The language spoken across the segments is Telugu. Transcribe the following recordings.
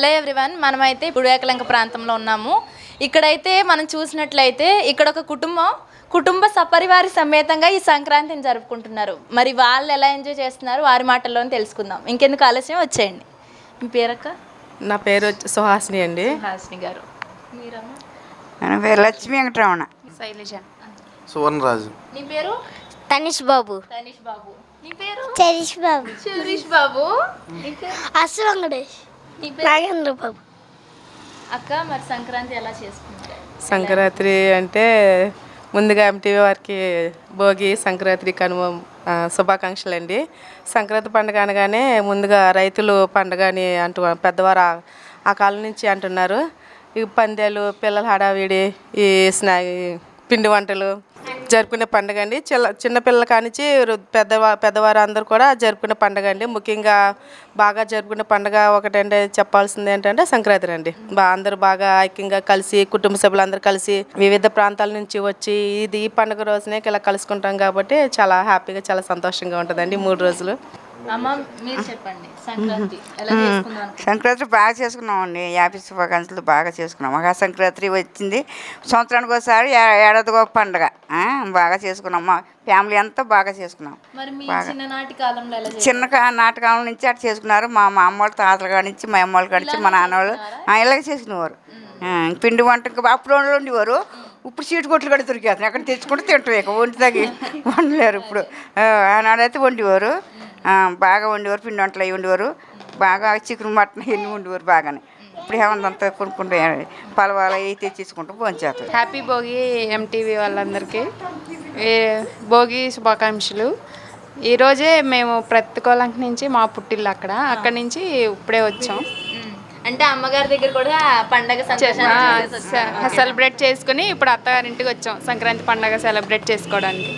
హలో ఎవ్రీవన్, మనమైతే బుడియాకలంక ప్రాంతంలో ఉన్నాము. ఇక్కడైతే మనం చూసినట్లయితే ఇక్కడ ఒక కుటుంబ సపరివారి సమేతంగా ఈ సంక్రాంతిని జరుపుకుంటున్నారు. మరి వాళ్ళు ఎలా ఎంజాయ్ చేస్తున్నారు వారి మాటల్లోనే తెలుసుకుందాం. ఇంకెందుకు ఆలస్యం, వచ్చేయండి. మీ పేరక్క? నా పేరు సుహాసిని అండి. సుహాసిని గారు. మీరమ్మా? నా పేరు లక్ష్మీ వెంకటరమణ. శైలజ. సువర్ణరాజు. నీ పేరు? తనిష్ బాబు. తనిష్ బాబు. నీ పేరు? చరిష్ బాబు. చరిష్ బాబు. అసు వెంకటేష్. నీ పేరు? నాగేంద్ర బాబు. అక్క, మరి సంక్రాంతి ఎలా చేసుకుంటారు? సంక్రాంతి అంటే ముందుగా ఎంటీవీ వారికి భోగి, సంక్రాంతి, కనుమ శుభాకాంక్షలు అండి. సంక్రాంతి పండుగ అనగానే ముందుగా రైతులు పండుగ అని పెద్దవారు ఆ కాలం నుంచి అంటున్నారు. ఈ పందాలు, పిల్లల హడావిడి, ఈ పిండి వంటలు జరుపుకునే పండుగ అండి. చిన్నపిల్లల కానించి పెద్దవారు అందరూ కూడా జరుపుకునే పండుగ అండి. ముఖ్యంగా బాగా జరుపుకునే పండుగ ఒకటంటే చెప్పాల్సింది ఏంటంటే సంక్రాంతి అండి. అందరూ బాగా ఐక్యంగా కలిసి, కుటుంబ సభ్యులందరూ కలిసి వివిధ ప్రాంతాల నుంచి వచ్చి ఈ పండుగ రోజునే ఇలా కలుసుకుంటాం కాబట్టి చాలా హ్యాపీగా, చాలా సంతోషంగా ఉంటుందండి 3 రోజులు. అమ్మ, మీరు చెప్పండి, సంక్రాంతి ఎలా చేసుకుందాం? సంక్రాంతి బాగా చేసుకున్నామండి. యాభై శుభాకాంక్షలు బాగా చేసుకున్నాం. మహా సంక్రాంతి వచ్చింది సంవత్సరానికి ఒకసారి, ఏడాదికి ఒక పండుగ బాగా చేసుకున్నాం. మా ఫ్యామిలీ అంతా బాగా చేసుకున్నాం. చిన్ననాటి కాలం నుంచి అట్లా చేసుకున్నారు. మా అమ్మ వాళ్ళ తాతల కాడి నుంచి, మా అమ్మ వాళ్ళ కాడి నుంచి, మా నాన్న వాళ్ళు ఇలాగే చేసుకునేవారు. పిండి వంట అప్పుడు ఉండేవారు. ఇప్పుడు సీటు కొట్లు కూడా దొరికేస్తాను, అక్కడ తెచ్చుకుంటే తింటాం. ఇక వంటి తగ్గి వండలేరు. ఇప్పుడు ఆనాడైతే వండేవారు, బాగా వండేవారు. పిండి వంటలు అవి వండేవారు. బాగా చికెన్, మటన్ ఎన్ని వండేవారు బాగానే. ఇప్పుడు ఏమంతా కొనుక్కుంటే పలవాలు అవి తెచ్చేసుకుంటూ భోంచేస్తారు. హ్యాపీ భోగి ఎంటీవీ వాళ్ళందరికీ భోగి శుభాకాంక్షలు. ఈరోజే మేము ప్రతికోలంక నుంచి మా పుట్టిల్లు అక్కడి నుంచి ఇప్పుడే వచ్చాం. అంటే అమ్మగారి దగ్గర కూడా పండగ సెలబ్రేట్ చేసుకుని ఇప్పుడు అత్తగారింటికి వచ్చాం సంక్రాంతి పండగ సెలబ్రేట్ చేసుకోవడానికి.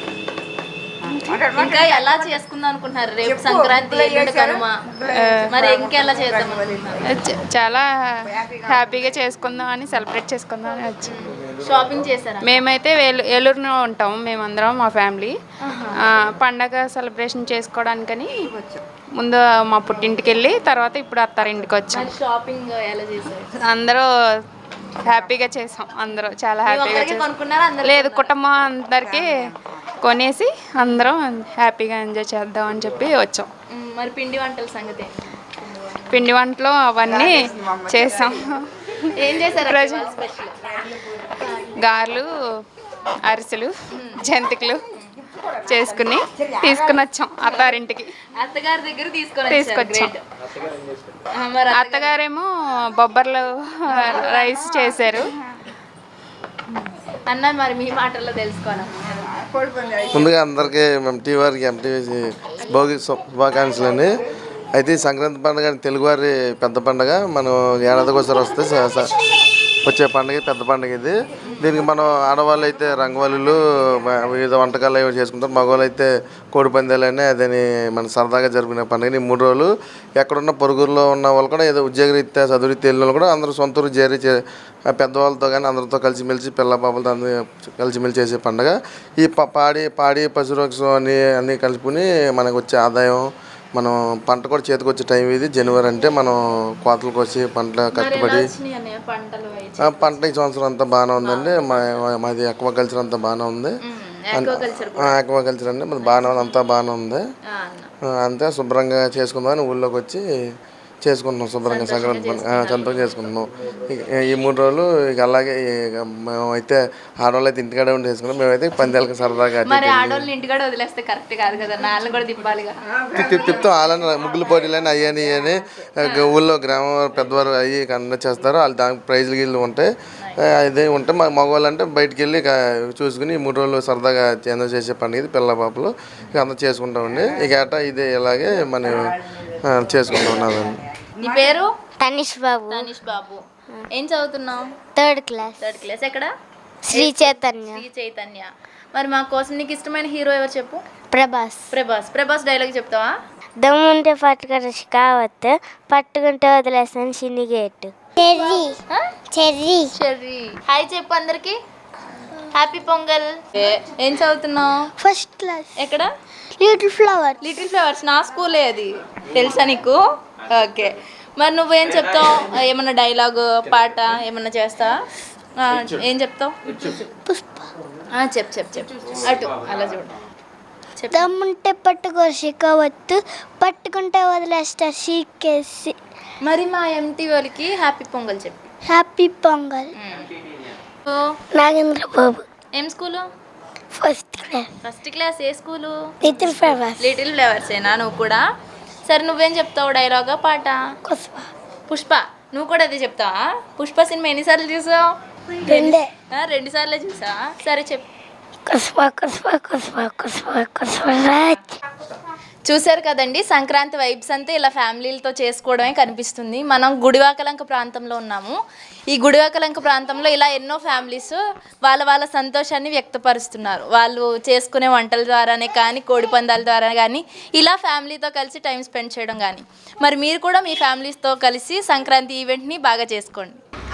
ఇంకా ఎలా చేసుకుందాం అనుకుంటున్నారు? రేపు సంక్రాంతి, కనుమ, మరి ఇంకెలా చేద్దాం? చాలా హ్యాపీగా చేసుకుందాం అని, సెలబ్రేట్ చేసుకుందాం అని వచ్చాం. షాపింగ్ చేశారా? మేమైతే ఏలూరులో ఉంటాం మేమందరం, మా ఫ్యామిలీ. పండగ సెలబ్రేషన్ చేసుకోవడానికని ముందు మా పుట్టింటికి వెళ్ళి తర్వాత ఇప్పుడు అత్తారింటికి వచ్చాం. షాపింగ్ ఎలా చేశారు? అందరూ హ్యాపీగా చేసాం. అందరూ చాలా హ్యాపీగా చేసాం. లేదు, కుటుంబం అందరికీ కొనేసి అందరం హ్యాపీగా ఎంజాయ్ చేద్దాం అని చెప్పి వచ్చాం. మరి పిండి వంటల సంగతి? పిండి వంటలు అవన్నీ చేసాం. ఏం చేశారు? గారెలు, అరిసెలు, జంతికలు చేసుకుని తీసుకుని వచ్చాం అత్తారింటికి. అత్తగారి దగ్గర తీసుకొచ్చాం. అత్తగారేమో బొబ్బర్లు రైస్ చేశారు. అన్న, మరి మీ మాటల్లో తెలుసుకోవాలి. ముందుగా అందరికీ ఎంటీవీ వారికి ఎంటీవీ భోగి శుభాకాంక్షలు అండి. అయితే ఈ సంక్రాంతి పండుగ తెలుగువారి పెద్ద పండుగ. మనం ఏడాదికి ఒకసారి వస్తే వచ్చే పండుగ పెద్ద పండుగ ఇది. దీనికి మనం ఆడవాళ్ళు అయితే రంగవల్లులు, వివిధ వంటకాలు అవి చేసుకుంటారు. మగవాళ్ళు అయితే కోడి పందాలని అదని మన సరదాగా జరుపుకునే పండుగ. ఈ 3 రోజులు ఎక్కడున్న పొరుగురులో ఉన్న వాళ్ళు కూడా, ఏదో ఉద్యోగరీత్యా చదువురీత్యా వెళ్ళిన వాళ్ళు కూడా అందరూ సొంత ఊరు చేరి పెద్దవాళ్ళతో కానీ అందరితో కలిసిమెలిసి, పిల్ల పాపలతో అందరూ కలిసిమెలిసి చేసే పండుగ. ఈ పాడి పశురోక్షం అన్నీ కలుపుకుని మనకు వచ్చే ఆదాయం, మనం పంట కూడా చేతికి వచ్చే టైం ఇది. జనవరి అంటే మనం కోతలు కోసి పంట కట్టుబడి పంట ఈ సంవత్సరం అంతా బాగానే ఉందండి. మాది అక్వాకల్చర్ అంతా బాగానే ఉంది. అక్వాకల్చర్ అండి మాది బాగానే ఉంది, అంతా బాగానే ఉంది. అంతే శుభ్రంగా చేసుకుందామని ఊళ్ళోకి వచ్చి చేసుకుంటున్నాం. శుభ్రంగా సంక్రాంతి పండుగ చేసుకుంటున్నాం. ఈ 3 రోజులు ఇక అలాగే మేమైతే ఆడవాళ్ళు అయితే ఇంటికాడే ఉండి చేసుకున్నాం. మేమైతే పందాలకు సరదాగా తిప్పుతాం. వాళ్ళని ముగ్గులు పోటీలని అయ్యని అని ఊళ్ళో గ్రామం పెద్దవారు అయ్యి కండక్ట్ చేస్తారు. వాళ్ళు దానికి ప్రైజ్లు గిళ్ళు ఉంటాయి. అదే ఉంటే మా మగవాళ్ళు అంటే బయటికి వెళ్ళి చూసుకుని ఈ 3 రోజులు సరదాగా ఎంజాయ్ చేసే పండుగ ఇది. పిల్ల పాపలు ఇక అంతా చేసుకుంటామండి. ఇక ఏటా ఇదే ఇలాగే మనం చేసుకుంటూ ఉన్నామండి. నీ పేరు? తనిష్ బాబు. తనిష్ బాబు. ఏం చదువుతున్నావు? Third class. ఎక్కడ? శ్రీ చైతన్య. మరి మా కోసం నీకు ఇష్టమైన హీరో ఎవరు చెప్పు? ప్రభాస్ డైలాగ్ చెప్తావా? దమ్ముంటే పట్టుకుంటే కావద్దు, పట్టుకుంటే వదిలేస్తాను చిన్నిగేట్. చెర్రీ. హాయ్ చెప్పు అందరికి. హ్యాపీ పొంగల్. ఏం చదువుతున్నావు? First class. ఎక్కడ? Little flowers. నా స్కూలే అది, తెలుసా నీకు? ఓకే. మరి నువ్వేం చెప్తావు? ఏమన్నా డైలాగ్ పాట ఏమన్నా చేస్తావా? ఏం చెప్తావు? చెప్పు చెప్పు చెప్పు. అటు అలా చూడు. చెప్పు. దమ్ముంటే పట్టుకో షికవత్తు, పట్టుకుంటే వదిలేస్తా షీకేసి. మరి మా ఎంటీ వాళ్ళకి హ్యాపీ పొంగల్ చెప్పు. హ్యాపీ పొంగల్. ఓ, నాగేంద్ర బాబు, ఏం school? First class, first class. ఏ స్కూలు? Little flowers. లిటిల్ ఫ్లవర్సేనా నువ్వు కూడా? సరే నువ్వేం చెప్తావు? డైలాగా పాట? కుస్వ. పుష్ప. నువ్వు కూడా అదే చెప్తావా? పుష్ప సినిమా ఎన్నిసార్లు చూసావు? 2 2 సార్లే చూసా. సరే చెప్పు. కుస్వ కుస్వ కుస్వ కుస్వ కుస్వ రాజ్. చూశారు కదండి, సంక్రాంతి వైబ్స్ అంతా ఇలా ఫ్యామిలీలతో చేసుకోవడమే కనిపిస్తుంది. మనం గుడివాకలంక ప్రాంతంలో ఉన్నాము. ఈ గుడివాకలంక ప్రాంతంలో ఇలా ఎన్నో ఫ్యామిలీస్ వాళ్ళ సంతోషాన్ని వ్యక్తపరుస్తున్నారు. వాళ్ళు చేసుకునే వంటల ద్వారానే కానీ, కోడి పందాల ద్వారా కానీ, ఇలా ఫ్యామిలీతో కలిసి టైం స్పెండ్ చేయడం కానీ. మరి మీరు కూడా మీ ఫ్యామిలీస్తో కలిసి సంక్రాంతి ఈవెంట్ని బాగా చేసుకోండి.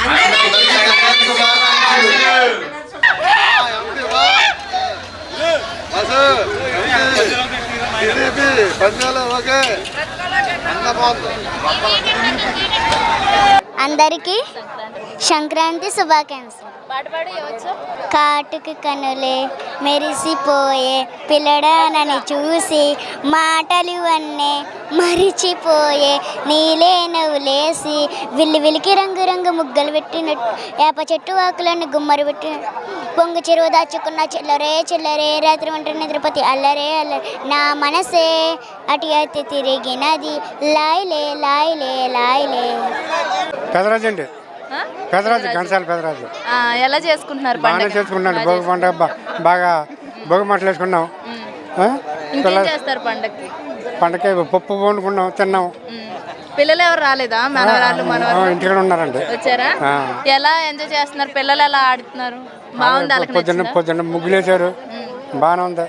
అందరికీ సంక్రాంతి శుభాకాంక్షలు. పాట పాడి ఇవ్వచ్చు. కాటుకు కనులే మెరిసిపోయే పిల్లడానని చూసి మాటలు అన్నే మరిచిపోయే నీలే నవ్వులేసి విల్లికి రంగు రంగు ముగ్గలు పెట్టినట్టు వేప చెట్టు ఆకులను గుమ్మరు పెట్టినట్టు పొంగు చెరువు దాచుకున్న చిల్లరే చిల్లరే రాత్రి వంట నిద్రపతి అల్లరే అల్లరే నా మనసే అటు అయితే తిరిగినది లాయిలే లాయిలే లాయిలే. పెదరాజు అండి, పెదరాజు ఘంటసాల పెదరాజు. ఎలా చేసుకుంటున్నారు బాగానే పండుగ? చేసుకున్నాను. భోగి పండుగ బాగా భోగి మంటలు వేసుకున్నాం. ఇంకేం చేస్తారు పండగకి? పండగకి పప్పు వండుకున్నాం, తిన్నాం. పిల్లలు ఎవరు రాలేదా? మనవరాళ్ళు మనవరాళ్ళు ఇంటికి ఉన్నారండి. వచ్చారా? ఎలా ఎంజాయ్ చేస్తున్నారు? పిల్లలు ఎలా ఆడుతున్నారు? బాగుంది. పొద్దున్న ముగ్గులు వేసారు, బాగానే ఉంది.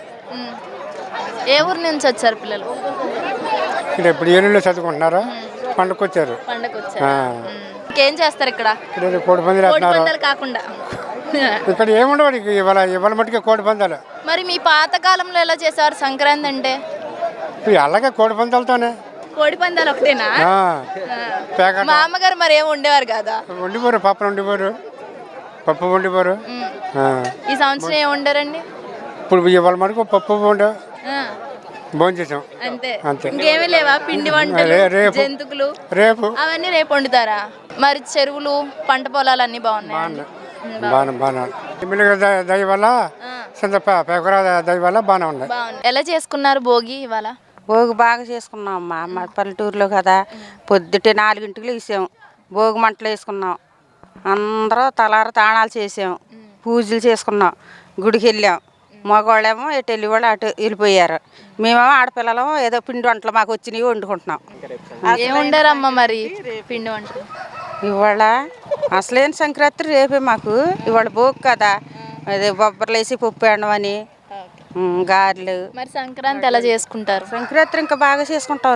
ఏ ఊరు నుంచి వచ్చారు పిల్లలు? ఇక్కడ ఇప్పుడు ఏనుగులో చదువుకుంటున్నారు, పండుగకు వచ్చారు. పండగకి వచ్చారు. ఇంకేం చేస్తారు ఇక్కడ? ఇక్కడ కోడి పందాలు కోడి వేస్తున్నారు. పందాలు కాకుండా ఇక్కడ ఏముండవు ఇవాళ మట్టుకే కోడి పందాలు. మరి మీ పాత కాలంలో ఎలా చేసేవారు సంక్రాంతి అంటే? అలాగే కోడి పందాలతోనే. కోడి పందాలు ఒకటేనా? పేక మా అమ్మగారు మరి ఏమి ఉండేవారు కదా? వండిపోరు, పప్పులు వండిపోరు, పప్పు వండిపోరు. ఈ సంవత్సరం ఏమి వండారండి? ఇప్పుడు ఇవాళ మటుకు పప్పు వండు భోజనం చేసాం అంతే. అంతే. ఇంకేమీ లేవా? పిండి వంటలు, రేపు. జంతుకులు రేపు అవన్నీ రేపు వండుతారా? మరి చెరువులు, పంట పొలాలు అన్ని బాగున్నాయి. బాగా దయ వల్ల పేకరా దయ వల్ల బాగానే ఉన్నాయి. బాగుంది. ఎలా చేసుకున్నారు భోగి ఇవాళ? భోగి బాగా చేసుకున్నాం అమ్మా. మా పల్లెటూరులో కదా, పొద్దుటే 4 లేసాం, భోగి మంటలు వేసుకున్నాం, అందరూ తలార తాణాలు చేసాం, పూజలు చేసుకున్నాం, గుడికి వెళ్ళాం. మగవాళ్ళేమో ఎటు వెళ్ళి వాళ్ళు అటు వెళ్ళిపోయారు. మేమేమో ఆడపిల్లలేమో ఏదో పిండి వంటలు మాకు వచ్చినవి వండుకుంటున్నాం. ఏం వండారమ్మా మరి పిండి వంటలు? ఇవాళ అసలేని సంక్రాంతి రేపే మాకు. ఇవాళ భోగి కదా, అదే బొబ్బర్లు వేసి పప్పు వేయడం అని, గారెలు. మరి సంక్రాంతి ఎలా చేసుకుంటారు? సంక్రాంతి ఇంకా బాగా చేసుకుంటాం.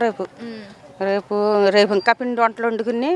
రేపు ఇంకా పిండి వంటలు వండుకుని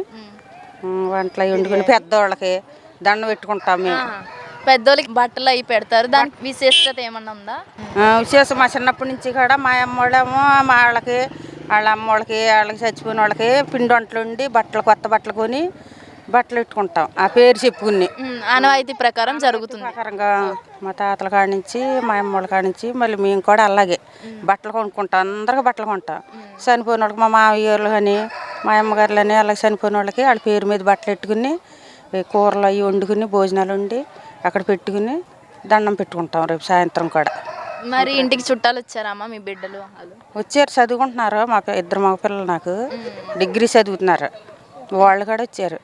పెద్దవాళ్ళకి దండం పెట్టుకుంటాం మేము. పెద్దోళ్ళకి బట్టలు అవి పెడతారు, దానికి విశేషత ఏమన్నా ఉందా? విశేషం మా చిన్నప్పటి నుంచి కూడా మా అమ్మోళ్ళేమో మా వాళ్ళకి, వాళ్ళ అమ్మోళ్ళకి, వాళ్ళకి చచ్చిపోయిన వాళ్ళకి పిండి వంటలు వండి కొత్త బట్టలు కొని బట్టలు పెట్టుకుంటాం. ఆ పేరు చెప్పుకుని ఆనవాయితీ ప్రకారం జరుగుతుంది. ప్రకారంగా మా తాతల కాడి నుంచి, మా అమ్మోళ్ళ కాడి నుంచి మళ్ళీ మేము కూడా అలాగే బట్టలు కొనుక్కుంటాం. అందరికి బట్టలు కొంటాం. చనిపోయిన వాళ్ళకి మా మామయ్యలు కానీ, మా అమ్మగారులు అని అలాగే చనిపోయిన వాళ్ళకి వాళ్ళ పేరు మీద బట్టలు పెట్టుకుని, కూరలు అవి వండుకుని, భోజనాలు వండి అక్కడ పెట్టుకుని దండం పెట్టుకుంటాం. రేపు సాయంత్రం కూడా. మరి ఇంటికి చుట్టాలు వచ్చారమ్మా మీ బిడ్డలు? వచ్చారు, చదువుకుంటున్నారు. మా 2 మగ పిల్లలు నాకు డిగ్రీ చదువుతున్నారు, వాళ్ళు కూడా వచ్చారు.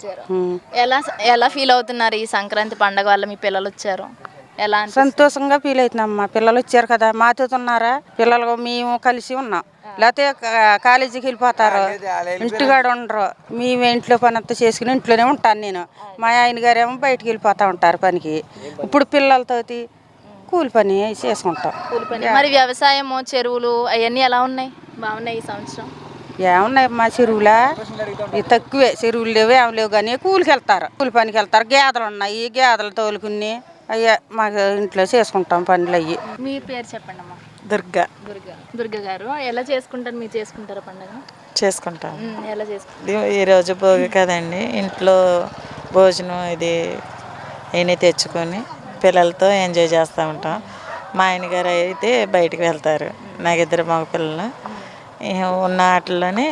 ఎలా ఫీల్ అవుతున్నారు ఈ సంక్రాంతి పండగ వల్ల? మీ పిల్లలు వచ్చారు, ఎలా సంతోషంగా ఫీల్ అవుతున్నామ్మా. పిల్లలు వచ్చారు కదా, మాతో ఉన్నారా పిల్లలు, మేము కలిసి ఉన్నాం. లేకపోతే కాలేజీకి వెళ్ళిపోతారు, ఇంటికాడ ఉండరు. మేము ఇంట్లో పని అంతా చేసుకుని ఇంట్లోనే ఉంటాను నేను. మా ఆయన గారేమో బయటికి వెళ్ళిపోతూ ఉంటారు పనికి. ఇప్పుడు పిల్లలతోటి కూలి పని చేసుకుంటాం. మరి వ్యవసాయము, చెరువులు అవన్నీ ఎలా ఉన్నాయి? బాగున్నాయి ఈ సంవత్సరం? ఏమున్నాయి మా చెరువులా? తక్కువే, చెరువులు లేవు, ఏమి లేవు కానీ కూలికి వెళ్తారు, కూలి పనికి వెళ్తారు. గేదెలు ఉన్నాయి, గేదెలు తోలుకుని అయ్యా మాకు ఇంట్లో చేసుకుంటాం పనులు అయ్యి. మీ పేరు చెప్పండి అమ్మా. దుర్గా. దుర్గా గారు, ఎలా చేసుకుంటారు? మీరు చేసుకుంటారా పండుగ? చేసుకుంటాం. ఎలా చేసుకుంటారు? ఈరోజు భోగి కదండి, ఇంట్లో భోజనం ఇది అయినా తెచ్చుకొని పిల్లలతో ఎంజాయ్ చేస్తూ ఉంటాం. మా ఆయనగారు అయితే బయటికి వెళ్తారు, నాకు 2 మగ పిల్లలు. ఉన్న వాటిల్లోనే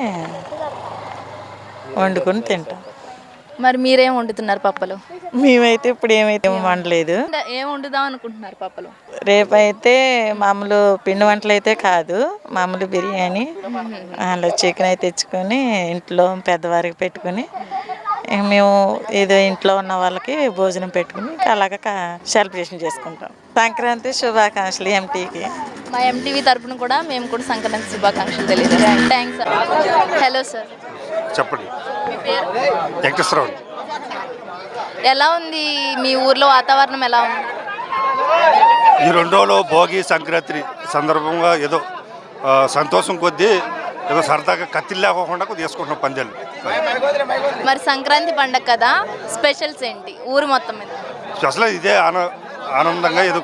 వండుకొని తింటాం. మరి మీరేం వండుతున్నారు పప్పలు? మేమైతే ఇప్పుడు ఏమైతే వండలేదు. ఏం వండుదాం అనుకుంటున్నారు పప్పలు? రేపైతే మామూలు పిండి వంటలు అయితే కాదు, మామూలు బిర్యానీ అలా చికెన్ అయితే తెచ్చుకొని ఇంట్లో పెద్దవారికి పెట్టుకుని మేము ఏదో ఇంట్లో ఉన్న వాళ్ళకి భోజనం పెట్టుకుని అలాగ సెలబ్రేషన్ చేసుకుంటాం. సంక్రాంతి శుభాకాంక్షలు ఎంటీకి. మా ఎంటీవీ తరపున కూడా మేము కూడా సంక్రాంతి శుభాకాంక్షలు తెలియజేస్తాం. Thanks sir. హలో సార్, చెప్పండి. మీ పేరు? వెంకటేశ్వరరావు. ఎలా ఉంది మీ ఊర్లో వాతావరణం? ఎలా ఉంది ఈ 2 రోజులు భోగి సంక్రాంతి సందర్భంగా ఏదో సంతోషం కొద్దీ ఏదో సరదాగా కత్తిలు లేకోకుండా తీసుకుంటున్నాం పందాలు. మరి సంక్రాంతి పండగ కదా, స్పెషల్స్ ఏంటి ఊరు మొత్తం మీద? అసలు ఇదే ఆనందంగా ఏదో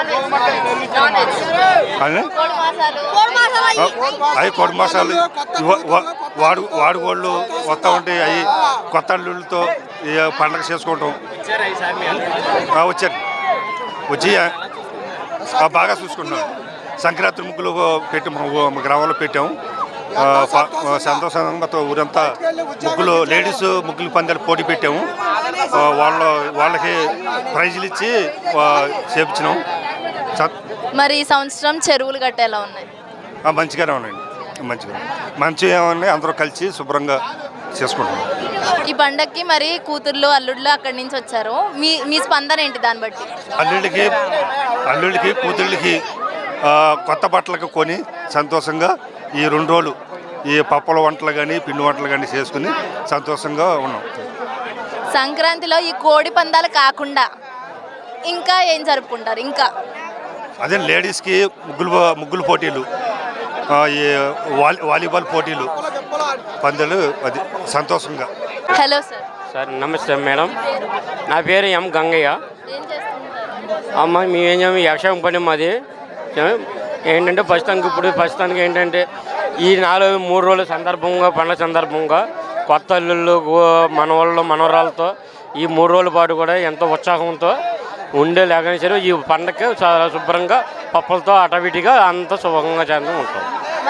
అవి కోడి మాసాలు వాడుగోళ్ళు వస్తూ ఉంటాయి. అవి కొత్త అల్లుళ్ళతో పండగ చేసుకుంటాం. వచ్చారు వచ్చి బాగా చూసుకుంటున్నాం. సంక్రాంతి ముగ్గులు పెట్టి మా గ్రామంలో పెట్టాము. సంతోషంగా ఊరంతా ముగ్గులు లేడీస్ ముగ్గులు పందాలు పోటీ పెట్టాము. వాళ్ళకి ప్రైజులు ఇచ్చి చేపించినాం. మరి ఈ సంవత్సరం చెరువులు గట్ట ఎలా ఉన్నాయి? మంచిగానే ఉన్నాయండి, మంచిగా ఉన్నాయి. అందరూ కలిసి శుభ్రంగా చేసుకుంటాం. ఈ పండగకి మరి కూతుర్లు అల్లుళ్ళు అక్కడి నుంచి వచ్చారు, మీ స్పందన ఏంటి దాన్ని బట్టి? అల్లుళ్ళకి కూతుళ్ళకి కొత్త బట్టలకు కొని సంతోషంగా ఈ 2 రోజులు ఈ పప్పల వంటలు కానీ పిండి వంటలు కానీ చేసుకుని సంతోషంగా ఉన్నాం. సంక్రాంతిలో ఈ కోడి పందాలు కాకుండా ఇంకా ఏం జరుపుకుంటారు? ఇంకా అదే లేడీస్కి ముగ్గులు పోటీలు, ఈ వాలీబాల్ పోటీలు, పందాలు, అది సంతోషంగా. Hello sir. సార్ నమస్తే మేడం, నా పేరు ఎం గంగయ్య. ఏం చేస్తుంటారు? అమ్మ మేమేం చేయము, వ్యవసాయం పని మాది. ఏంటంటే ప్రస్తుతానికి ఏంటంటే ఈ 3 రోజుల సందర్భంగా, పండుగ సందర్భంగా కొత్త అల్లుళ్ళు మనవాళ్ళు మనవరాలతో ఈ 3 రోజుల పాటు కూడా ఎంతో ఉత్సాహంతో ఉండే లేకనే సరే ఈ పండగకి చాలా శుభ్రంగా పప్పులతో అటవిటిగా అంత శుభంగా చేస్తూ ఉంటాం.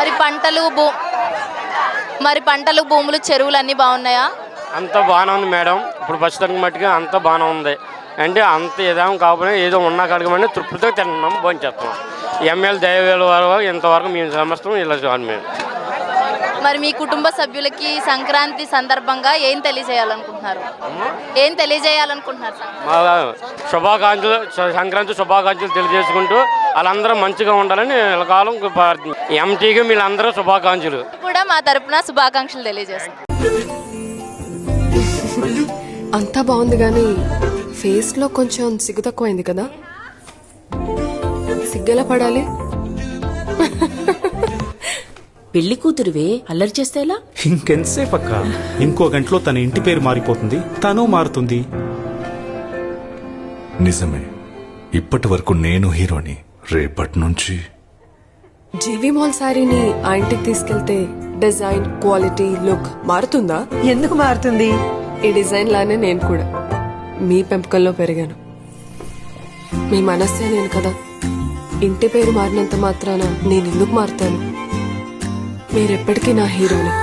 మరి పంటలు భూములు చెరువులు అన్నీ బాగున్నాయా? అంత బాగానే ఉంది మేడం. ఇప్పుడు ప్రస్తుతానికి మట్టుగా అంత బాగానే ఉంది. అంటే అంత ఏదేమో కాకపోయినా ఏదో ఉన్నా కడగమని తృప్తితో తిన్నాం, భోంచేస్తాం. ఎమ్మెల్యే దయవేల వారు ఇంతవరకు మేము సమస్తం ఇలా చూడండి. మేము మరి మీ కుటుంబ సభ్యులకి సంక్రాంతి సందర్భంగా ఏం తెలియజేయాలనుకుంటున్నారు? మా శుభాకాంక్షలు, సంక్రాంతి శుభాకాంక్షలు తెలియజేసుకుంటూ వాళ్ళందరూ మంచిగా ఉండాలని కాలం ఎంటీకి వీళ్ళందరూ శుభాకాంక్షలు కూడా మా తరపున శుభాకాంక్షలు తెలియజేస్తాం. అంతా బాగుంది కానీ ఫేస్ లో కొంచెం సిగ్గు తక్కువైంది కదా. సిగ్గెలా పడాలి? పెళ్లి కూతురువే అల్లరి చేస్తేలా? ఇంకెంతసేపు అక్క, ఇంకో గంటలో తన ఇంటి పేరు మారిపోతుంది, తను మారుతుంది. నిజమే, ఇప్పటి వరకు నేను హీరోని, రేపటి నుంచి జీవి మాల్ శారీని ఆ ఇంటికి తీసుకెళ్తే డిజైన్, క్వాలిటీ, లుక్ మారుతుందా? ఎందుకు మారుతుంది? ఈ డిజైన్ లానే నేను కూడా మీ పెంపకంలో పెరిగాను. మీ మనస్సే నేను కదా. ఇంటి పేరు మారినంత మాత్రాన నేను ఎందుకు మారుతాను? మీరెప్పటికీ నా హీరోని.